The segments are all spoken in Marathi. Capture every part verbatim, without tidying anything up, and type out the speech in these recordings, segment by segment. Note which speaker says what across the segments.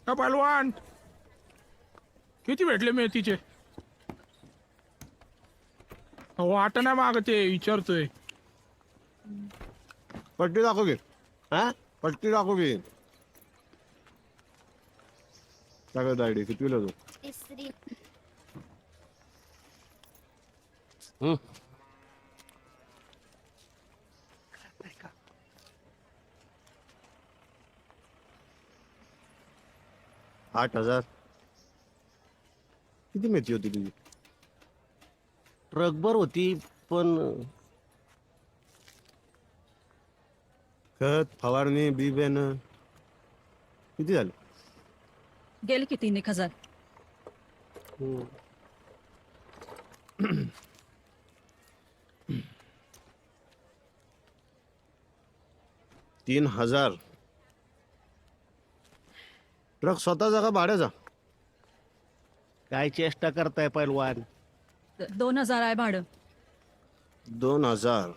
Speaker 1: का पहलवान किती भेटले मेथीचे? वाट नाही मागते विचारतोय.
Speaker 2: पट्टी दाखव घे. हा पट्टी दाखव घे. सगळं दायडी किती तू?
Speaker 3: तिसरी.
Speaker 2: हम्म. आठ हजार किती मेथी होती तुझी?
Speaker 4: ट्रकभर होती पण
Speaker 2: खत फवारणी बी बियाणं किती झालं?
Speaker 5: गेले की तीन एक हजार.
Speaker 2: तीन हजार ट्रक स्वतःचा का भाड्याचा?
Speaker 4: काय चेष्टा करताय पैलवान?
Speaker 5: द- दोन हजार आहे भाडं.
Speaker 2: दोन हजार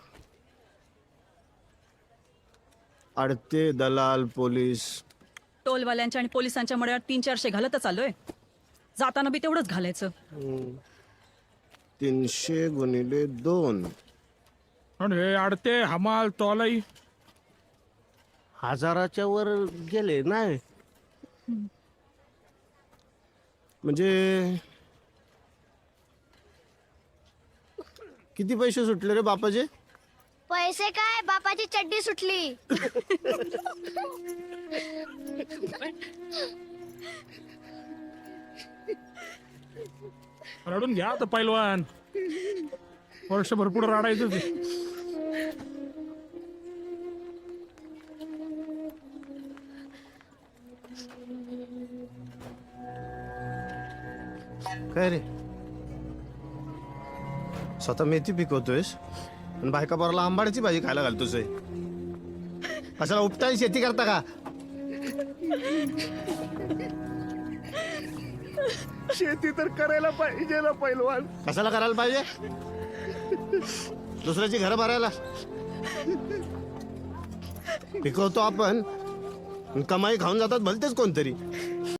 Speaker 2: अडते दलाल पोलीस.
Speaker 5: टोलवाल्यांच्या आणि पोलिसांच्या मळ्यात तीन चारशे घालतच आलोय. जाताना बी तेवढंच घालायचं.
Speaker 2: तीनशे गुणिले दोन.
Speaker 1: आणि हे अडते हमाल तोलाई
Speaker 4: हजाराच्या वर गेले नाही.
Speaker 2: म्हणजे किती पैसे सुटले रे बापाचे?
Speaker 3: पैसे काय बापाची चड्डी सुटली.
Speaker 1: रडून घ्या तर पैलवान. वर्षभर पुढे रडायचं ते.
Speaker 2: काय रे स्वतः मेथी पिकवतोयस आणि बायका बरोला आंबाड्याची भाजी खायला घालतोस. कशाला उपटाई शेती करता का?
Speaker 4: शेती तर करायला पाहिजे ना पैलवान.
Speaker 2: कशाला करायला पाहिजे? दुसऱ्याची घरं भरायला. पिकवतो आपण आणि कमाई खाऊन जातात भलतेच कोणतरी.